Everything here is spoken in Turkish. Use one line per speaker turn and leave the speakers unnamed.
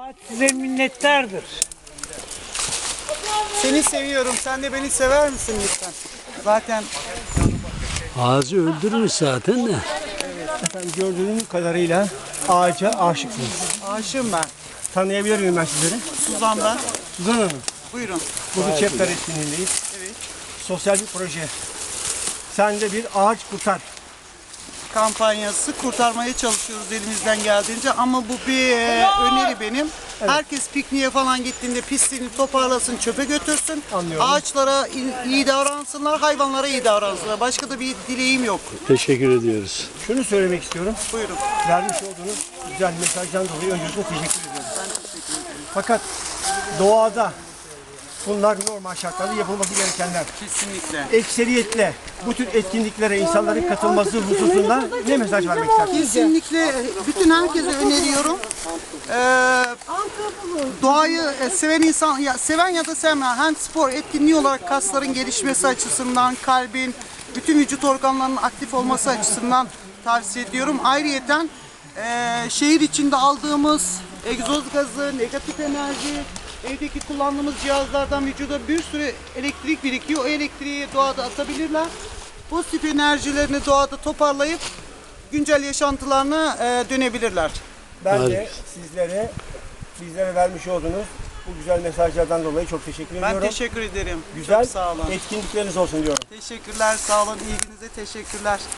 Ağaç size minnettardır.
Seni seviyorum. Sen de beni sever misin lütfen? Zaten
Ağacı öldürmüş zaten de.
Efendim gördüğünüz kadarıyla ağaca aşıksınız.
aşığım ben.
Tanıyabilir miyim ben sizleri?
Suzan ben.
Suzan Hanım.
Buyurun.
Burada Çepler etkinliğindeyiz.
Evet.
Sosyal bir proje. Sen de bir ağaç kurtar.
Kampanyası kurtarmaya çalışıyoruz elimizden geldiğince ama bu bir öneri benim. Herkes pikniğe falan gittiğinde pisliğini toparlasın, çöpe götürsün.
Anlıyorum.
Ağaçlara iyi davransınlar, hayvanlara iyi davransınlar. Başka da bir dileğim yok.
Teşekkür ediyoruz.
Şunu söylemek istiyorum.
Buyurun.
Vermiş olduğunuz güzel mesajdan dolayı öncelikle teşekkür ediyorum. Fakat doğada bunlar normal şartlarda yapılması gerekenler.
Kesinlikle.
Ekseriyetle bu tür etkinliklere insanların katılması hususunda ne mesaj vermek istersiniz?
Kesinlikle bütün herkese öneriyorum. Doğayı seven insan, seven ya da sevmeyen hem spor etkinliği olarak kasların gelişmesi açısından, kalbin, bütün vücut organlarının aktif olması açısından tavsiye ediyorum. Ayrıyeten şehir içinde aldığımız egzoz gazı, negatif enerji, evdeki kullandığımız cihazlardan vücuda bir sürü elektrik birikiyor. O elektriği doğada atabilirler. Pozitif enerjilerini doğada toparlayıp güncel yaşantılarına dönebilirler.
Ben
Hadi.
de bizlere vermiş olduğunuz bu güzel mesajlardan dolayı çok teşekkür ediyorum.
Ben teşekkür ederim.
Güzel
Çok sağ olun.
etkinlikleriniz olsun diyorum.
Teşekkürler, sağ olun. İlginize teşekkürler.